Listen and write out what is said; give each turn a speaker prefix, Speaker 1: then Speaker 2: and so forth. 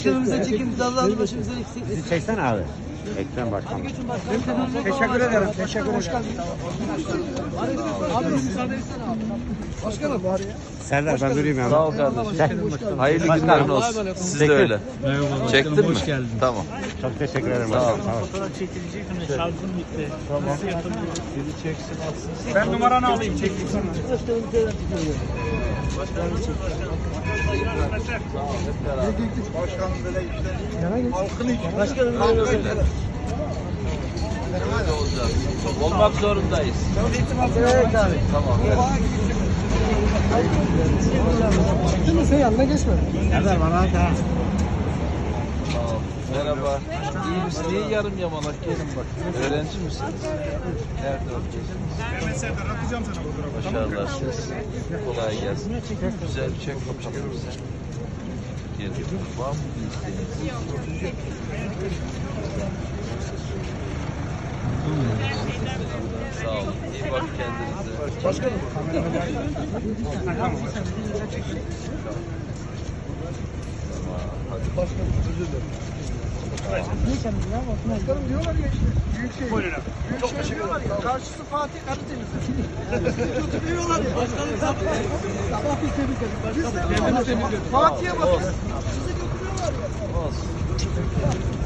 Speaker 1: Başkanımıza çekimizi Allah'ın başımıza eksik.
Speaker 2: Bizi çeksene abi. Ekrem Başkan.
Speaker 1: Teşekkür ederim. Teşekkür ederim. Abi müsaade etsene abi. Başkanım var ya.
Speaker 2: Serdar ben durayım ya.
Speaker 3: Sağ ol kardeşim. Hayırlı günler olsun. Siz de öyle. Çektin mi? Geldim. Tamam.
Speaker 2: Çok teşekkür ederim.
Speaker 3: Sağ ol.
Speaker 4: Fotoğraf çekilecek mi? Şarjım bitti. Nasıl yapılıyor?
Speaker 3: Biri çeksin atsın.
Speaker 4: Ben numaranı alayım, çekeyim sana.
Speaker 1: Başkanım tekrar tutuyor.
Speaker 5: Başkanım böyle işte halkın için.
Speaker 1: Başkanım
Speaker 3: Öyle. Öyle olacak. Olmak zorundayız.
Speaker 1: evet abi.
Speaker 3: Tamam.
Speaker 1: Çıktın mı sen yanına geçme.
Speaker 2: Serdar bana da.
Speaker 3: Sağ ol. Merhaba. İyi misin? Niye yarım yamalak gelin bak. Öğrenci misiniz? Nerede okuyorsunuz?
Speaker 4: Ben Serdar atacağım sana fotoğrafı.
Speaker 3: Başarılar siz. Kolay gelsin. Güzel bir çek bakalım sen. Gelin. Var mı bir isteğiniz? Sağ olun. İyi bak kendinize.
Speaker 5: Başkanım. Başkanım özür dilerim. Başkanım diyorlar ya işte. Büyükşehir.
Speaker 4: Buyurun abi.
Speaker 5: Çok teşekkür ederim. Karşısı Fatih Karadeniz'de. Götürüyorlar ya. Başkanım sabah biz temizledik. Biz temizledik. Fatih'e bakın. Sizi götürüyorlar ya.
Speaker 3: Olsun.